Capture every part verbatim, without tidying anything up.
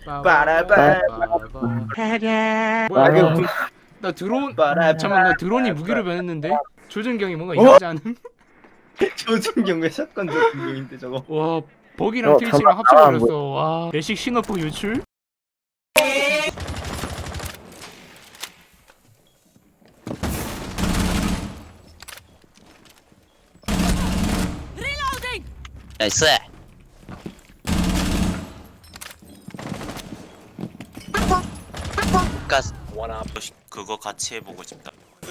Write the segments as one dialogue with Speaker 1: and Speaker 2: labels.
Speaker 1: 빠라빠.
Speaker 2: 뭐야 이거?
Speaker 1: 나 드론.
Speaker 2: 빠라빠.
Speaker 1: 잠깐만, 나 드론이 무기로 변했는데 조준경이 뭔가 이상하지 않음?
Speaker 2: 조준경 왜 샷건 조준경인데 저거?
Speaker 1: 와, 버기랑
Speaker 3: 어,
Speaker 1: 트위치랑
Speaker 3: 잠깐,
Speaker 1: 합쳐버렸어.
Speaker 3: 아,
Speaker 1: 와, 배식 신호폭 유출?
Speaker 4: 나이스. 가스.
Speaker 5: 그거 같이 해보고 싶다.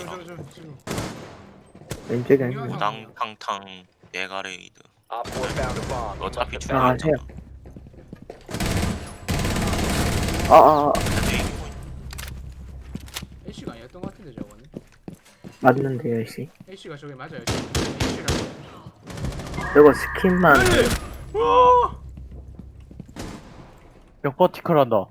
Speaker 3: 왼쪽에 아니고.
Speaker 5: 우당탕탕 네가레이드. 어차피
Speaker 3: 아,
Speaker 5: 중요하잖아.
Speaker 3: 해요. 아, 아, 아,
Speaker 1: 애쉬가 아니었던 것 같은데 저거는.
Speaker 3: 맞는데요, 씨.
Speaker 1: 애쉬가 저게 맞아요. 애쉬랑.
Speaker 3: 저거 스킨만.
Speaker 6: 형 버티컬 한다.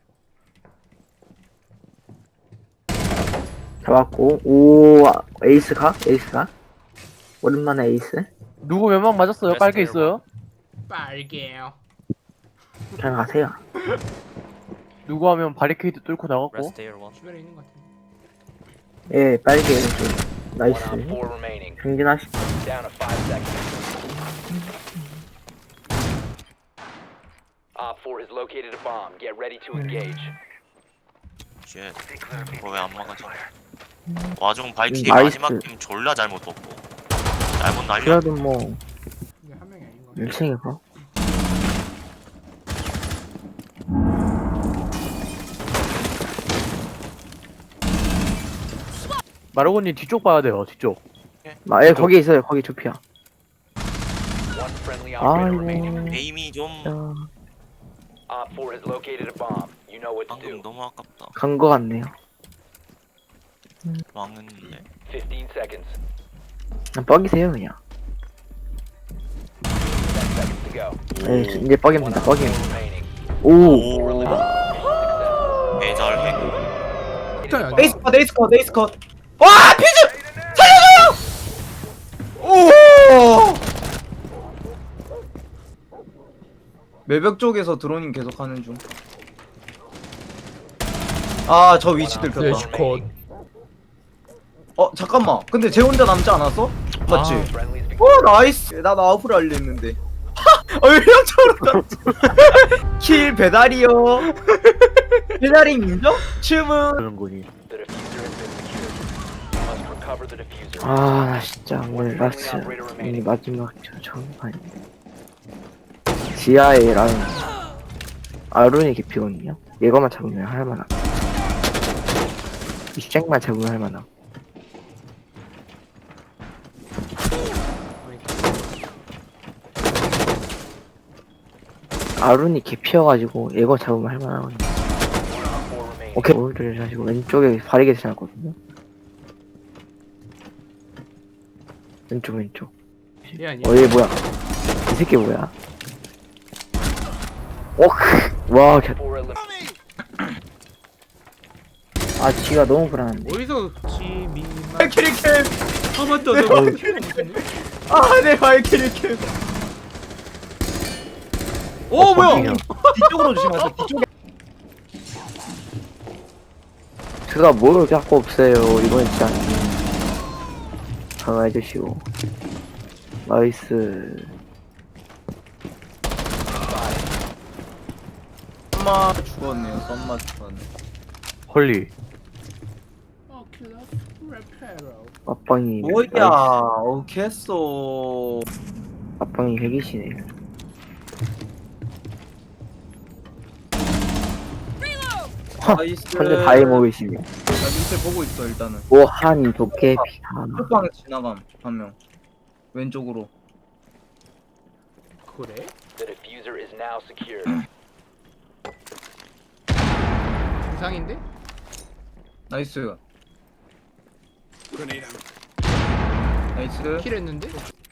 Speaker 3: 잡았고. 오, 아, 에이스 가? 에이스 가? 오랜만에 에이스?
Speaker 6: 누구 몇 명 맞았어요? 빨개 있어요?
Speaker 1: 빨개요.
Speaker 3: 그냥 가세요.
Speaker 6: 누구 하면 바리케이드 뚫고 나갔고.
Speaker 1: 주변에 있는 것 같은데.
Speaker 3: 예, 빨개 왼쪽. 나이스. 경진하시.
Speaker 7: Op four has located a bomb. Get ready to engage.
Speaker 5: 쉣. 그거 왜 안 막아져? 와중 발키리
Speaker 3: 나이스.
Speaker 5: 마지막 팀 졸라 잘못 떴고. 잘못 날려.
Speaker 3: 그래도 뭐,
Speaker 1: 근데 한 명이 아닌 것 같아.
Speaker 3: 일 층이고.
Speaker 6: 마르고님 뒤쪽 봐야 돼요. 뒤쪽.
Speaker 3: 아, 예, 거기 있어요. 거기 좁혀.
Speaker 7: One friendly operator remaining.
Speaker 3: 아이고.
Speaker 5: 에임이 좀
Speaker 3: 야,
Speaker 7: Op four has located a bomb. You know what to
Speaker 5: 방금
Speaker 7: do.
Speaker 5: 너무 아깝다.
Speaker 3: 간 거 같네요.
Speaker 5: 망했는데.
Speaker 7: Fifteen seconds.
Speaker 3: 그냥 뻑이세요, 그냥.
Speaker 7: Ten seconds to go.
Speaker 3: 예, 이제 뻑입니다.
Speaker 7: One op
Speaker 3: 뻑이에요.
Speaker 7: four remaining.
Speaker 3: 오.
Speaker 7: Four eliminated. Mission success.
Speaker 5: 배절해.
Speaker 1: 일단 야,
Speaker 2: 에이스 컷, 에이스 컷, 에이스 컷. 와, 피즈! 살려줘요! 오! 매벽 쪽에서 드로닝 계속 하는 중. 아, 저 위치 들켰다.
Speaker 1: 컷.
Speaker 2: 어, 잠깐만. 근데 쟤 혼자 남지 않았어? 맞지?
Speaker 7: Friendlies victorious.
Speaker 2: 오, 나이스. 나 나우프를 하려 했는데. 어, 일령적으로 갔지. 킬 배달이요. 배달인 인정? 춤은.
Speaker 6: 그런 거니.
Speaker 7: The diffuser has been secured. You must recover the diffuser.
Speaker 3: 아, 나 진짜 오늘 라스. 이 마지막 저 정판인데. 지하에 라인. 아룬이 깊이거든요. 이거만 잡으면 할만함. 이 잭만 잡으면 할만함. 아룬이 깊이여가지고 이거 잡으면 할만하거든요.
Speaker 7: One op four remaining.
Speaker 3: 오케이. 오른쪽에 하시고 왼쪽에 바리게 지나갔거든요. 왼쪽 왼쪽.
Speaker 1: 얘 아니야.
Speaker 3: 어, 얘 뭐야? 이 새끼 뭐야? 오, 크. 와, 개...
Speaker 7: Four eliminated.
Speaker 3: 아, 지가 너무 불안한데.
Speaker 1: 어디서 지미만.
Speaker 2: 발키리 캠.
Speaker 1: 아 맞다.
Speaker 2: 내
Speaker 1: 나
Speaker 2: 발키리 캠. 아, 내 발키리 캠. 오, 뭐야? 뒤쪽으로 조심하세요. 뒤쪽에.
Speaker 3: 제가 뭘 자꾸 없어요. 이번엔 진짜 강화해주시고. 나이스.
Speaker 2: 썸마 죽었네요. 썸마 죽었네.
Speaker 6: 헐리.
Speaker 1: 오큘러스 레페로.
Speaker 3: 앞방이.
Speaker 2: 뭐야?
Speaker 3: 나이스.
Speaker 2: 오케이 했어.
Speaker 3: 앞방이 핵이시네.
Speaker 2: 나이스.
Speaker 3: 현재 다이 먹으시네.
Speaker 2: 나 밑에 보고 있어 일단은.
Speaker 3: 오한 도깨비. 아,
Speaker 2: 끝방에서 지나감 한 명. 왼쪽으로.
Speaker 1: 그래?
Speaker 7: The diffuser is now secured.
Speaker 1: 이상인데?
Speaker 2: 나이스. 나이스.
Speaker 1: 킬했는데?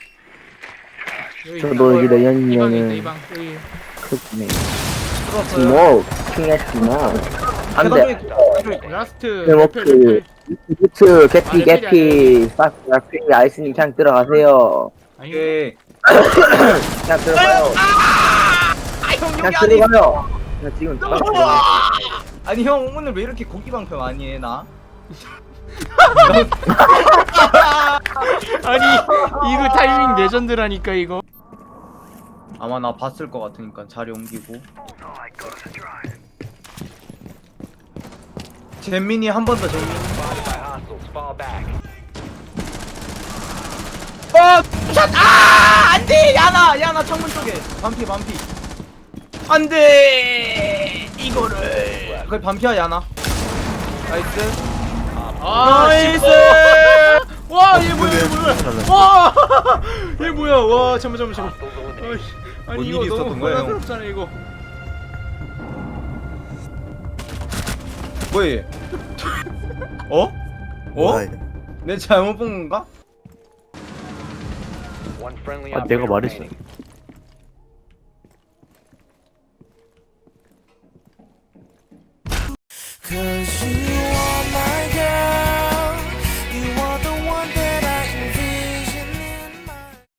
Speaker 1: 여기
Speaker 3: 저도 여기
Speaker 1: 이방 있다
Speaker 3: 내년이면은
Speaker 1: 이방. 여기.
Speaker 3: 크네.
Speaker 2: 들어왔어요.
Speaker 3: 뭐, 킹했구나. 안 돼.
Speaker 1: 라스트
Speaker 3: 제목
Speaker 1: 레펠
Speaker 3: 그,
Speaker 1: 레펠.
Speaker 3: 부츠, 개피,
Speaker 1: 아, 레펠이
Speaker 3: 개피, 싹, 개피, 아이스님 그냥 들어가세요.
Speaker 1: 아니
Speaker 2: 오케이.
Speaker 3: 그냥 들어가요. 그냥 들어가요. 나 지금
Speaker 2: 아니 형 오늘 왜 이렇게 고기 방패 많이 해 나?
Speaker 1: 아니 이거 타이밍 레전드라니까 이거.
Speaker 2: 아마 나 봤을 것 같으니까 자리 옮기고. 잼민이 한 번 더 잼민이.
Speaker 7: Spotted by hostiles. Fall back.
Speaker 2: 어! 샷! 아! 안돼! 야나! 야나 창문 쪽에 반피 반피 안돼! 이거를 거기 반피야 야나. 나이스.
Speaker 1: 아
Speaker 2: 나이스!
Speaker 1: 와얘 뭐야 얘 뭐야 와얘 뭐야 와 잠만 잠만 잠만.
Speaker 7: Hostiles eliminated.
Speaker 1: 어이씨, 아니
Speaker 2: 뭔
Speaker 1: 이거
Speaker 2: 일이
Speaker 1: 너무
Speaker 2: 있었던 거야, 형?
Speaker 1: 혼란스럽잖아 이거.
Speaker 2: 뭐야? 어? 어? 내 잘못 본 건가?
Speaker 7: One friendly
Speaker 6: 아, 내가
Speaker 7: operator
Speaker 6: 말했어.
Speaker 7: remaining.